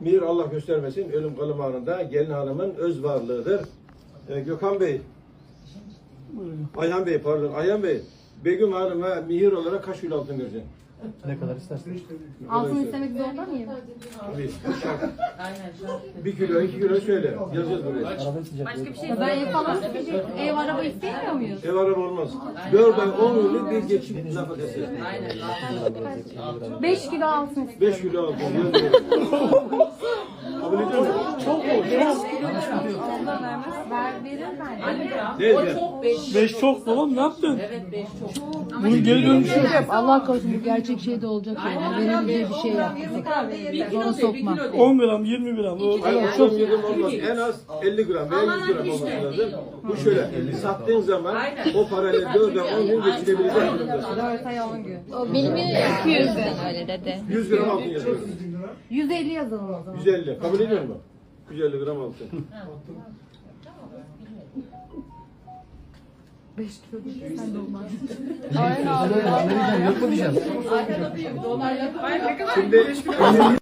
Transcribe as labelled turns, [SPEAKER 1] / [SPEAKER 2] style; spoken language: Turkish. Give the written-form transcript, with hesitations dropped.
[SPEAKER 1] Mihir Allah göstermesin ölüm kalım anında gelin hanımın öz varlığıdır. Gökhan Bey, Ayhan Bey pardon, Ayhan Bey, Begüm Hanım'a mihir olarak kaç kilo altın vereceksin?
[SPEAKER 2] Ne kadar istersen.
[SPEAKER 3] Altın istemek zorunda mıyım?
[SPEAKER 1] Tabii, şart. 1 kilo, 2 kilo söyle. Yazacağız buraya.
[SPEAKER 2] Arabanın sıcaklığı.
[SPEAKER 3] Başka bir şey. Ben ev falan isteyecek. Ev araba istemiyor muyuz?
[SPEAKER 1] Ev araba olmaz. 4 ay 10 yıllık bir geçim nafakası.
[SPEAKER 3] 5 kilo altın
[SPEAKER 1] 5
[SPEAKER 3] istiyorum.
[SPEAKER 1] kilo altın. Yazıyorum. Kabul ediyor musun?
[SPEAKER 2] Çok mu?
[SPEAKER 3] Verir bence.
[SPEAKER 1] Neyse.
[SPEAKER 2] 5 çok babam ne yaptın?
[SPEAKER 4] Evet 5 çok.
[SPEAKER 2] Bunun geri dönüşü yok.
[SPEAKER 5] Allah korusun bu gerçek şey de olacak yani. Benim diye bir şey yaptık. Onu sokma.
[SPEAKER 2] 10 gram, 20 gram.
[SPEAKER 1] Hayır, çok yedim olmaz. En az 50 gram veya 100 gram olması lazım. Bu şöyle, sattığın zaman o parayla 4 ay 10 gün geçirebilecek durumdasın.
[SPEAKER 3] 4 ay 10 gün.
[SPEAKER 6] Benim 200'den öyle dedi.
[SPEAKER 1] 100 gram altın yazıyoruz.
[SPEAKER 3] 150 yazalım o zaman.
[SPEAKER 1] 150. Kabul ediyor musun? 150 gram altın.
[SPEAKER 3] 5 kilo değil, sen de olmaz.
[SPEAKER 2] Amerikan yok mu diyeceğim?
[SPEAKER 1] Şimdi